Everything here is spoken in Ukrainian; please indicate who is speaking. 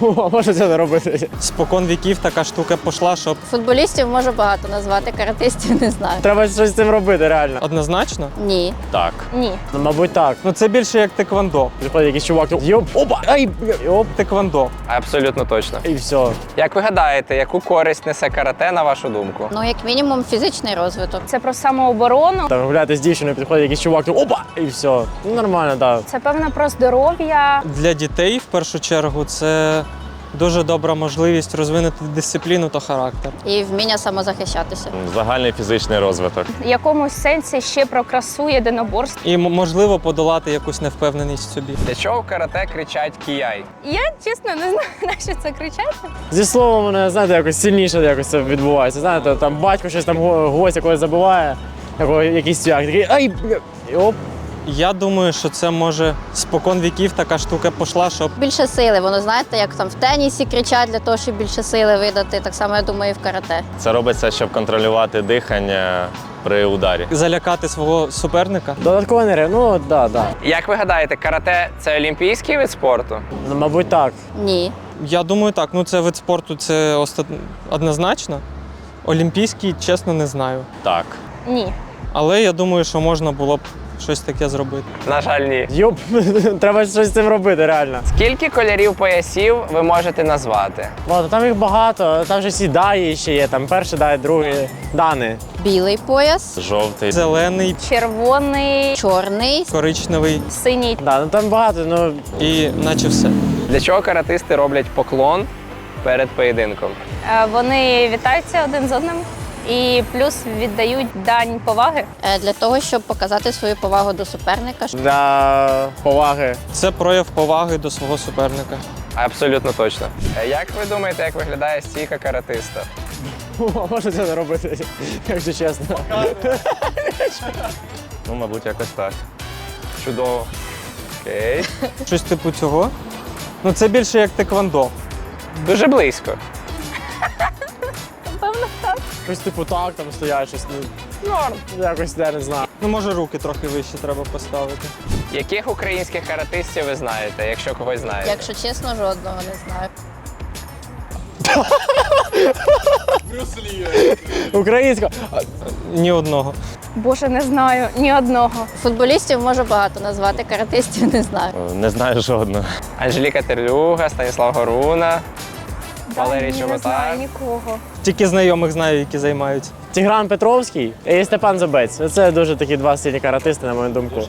Speaker 1: А може це не робити?
Speaker 2: Спокон віків така штука пішла, щоб
Speaker 3: Футболістів можу багато назвати, каратистів не знаю.
Speaker 1: Треба щось з цим робити, реально.
Speaker 2: однозначно.
Speaker 3: Ні.
Speaker 4: Так.
Speaker 3: Ні.
Speaker 1: Ну, мабуть, так.
Speaker 2: Ну це більше як теквондо.
Speaker 1: Приходить якийсь чувак, йоп, опа, ай, йоп,
Speaker 2: Теквондо.
Speaker 5: Абсолютно точно.
Speaker 1: і все.
Speaker 5: Як ви гадаєте, яку користь несе карате, на вашу думку?
Speaker 3: Ну, як мінімум, фізичний розвиток.
Speaker 6: Це про самооборону.
Speaker 1: Там гуляти з дівчиною, підходить якийсь чувак, опа, і все. Ну, нормально, так.
Speaker 6: Це певно про здоров'я.
Speaker 2: Для дітей в першу чергу це дуже добра можливість розвинути дисципліну та характер.
Speaker 3: І вміння самозахищатися.
Speaker 4: Загальний фізичний розвиток.
Speaker 6: В якомусь сенсі ще про красу єдиноборств.
Speaker 2: І можливо подолати якусь невпевненість в собі.
Speaker 5: Для чого в карате кричать кіяй?
Speaker 6: Я чесно не знаю, на що це кричати.
Speaker 1: Зі словом, мене, знаєте, якось сильніше якось це відбувається. Знаєте, там батько щось там гостя когось забиває, якийсь цвях, такий, ай, і оп.
Speaker 2: Я думаю, що це може спокон віків така штука пішла, щоб
Speaker 3: Більше сили, воно знаєте, як там в тенісі кричать для того, щоб більше сили видати. Так само, я думаю, і в карате.
Speaker 4: Це робиться, щоб контролювати дихання при ударі.
Speaker 2: залякати свого суперника.
Speaker 1: Додатково не ну, да.
Speaker 5: Як ви гадаєте, карате це олімпійський вид спорту?
Speaker 1: Ну, мабуть, так.
Speaker 3: Ні.
Speaker 2: Я думаю, так. Ну це вид спорту, це однозначно. Олімпійський, чесно, не знаю.
Speaker 4: Так.
Speaker 6: Ні.
Speaker 2: Але я думаю, що можна було б щось таке зробити.
Speaker 5: На жаль, ні.
Speaker 1: Йоп, треба щось з цим робити, реально.
Speaker 5: Скільки кольорів поясів ви можете назвати?
Speaker 1: Ладно, там їх багато, там же всі даї ще є, там перший дай, другий, дани.
Speaker 3: Білий пояс,
Speaker 4: Жовтий.
Speaker 2: Зелений,
Speaker 6: Червоний,
Speaker 3: чорний,
Speaker 2: коричневий
Speaker 6: синій.
Speaker 1: Да, ну там багато, ну
Speaker 2: і наче все.
Speaker 5: Для чого каратисти роблять поклон перед поєдинком?
Speaker 6: Вони вітаються один з одним і плюс віддають дань поваги.
Speaker 3: для того, щоб показати свою повагу до суперника.
Speaker 1: для поваги.
Speaker 2: Це прояв поваги до свого суперника.
Speaker 5: Абсолютно точно. Як ви думаєте, як виглядає стійка каратиста?
Speaker 1: А може це не робити, якщо чесно.
Speaker 4: Ну, мабуть, якось так.
Speaker 5: Чудово. Окей.
Speaker 2: Щось типу цього. Ну це більше як теквондо.
Speaker 5: Дуже близько.
Speaker 1: Щось типу так, там стоять, щось, ну,
Speaker 5: Норм.
Speaker 1: якось я не знаю.
Speaker 2: Ну може руки трохи вище треба поставити.
Speaker 5: Яких українських каратистів ви знаєте, якщо когось знаєте?
Speaker 3: Якщо чесно, жодного не знаю.
Speaker 1: Українська.
Speaker 2: Ні одного.
Speaker 6: Боже, не знаю ні одного.
Speaker 3: Футболістів можу багато назвати, каратистів не знаю.
Speaker 4: Не знаю жодного.
Speaker 5: Анжеліка Терлюга, Станіслав Горуна, Валерій
Speaker 6: Ні, не
Speaker 5: Чоботар.
Speaker 6: знаю нікого.
Speaker 2: Тільки знайомих знаю, які займаються.
Speaker 1: Тігран Петровський і Степан Забець. Це дуже такі два сильні каратисти, на мою думку.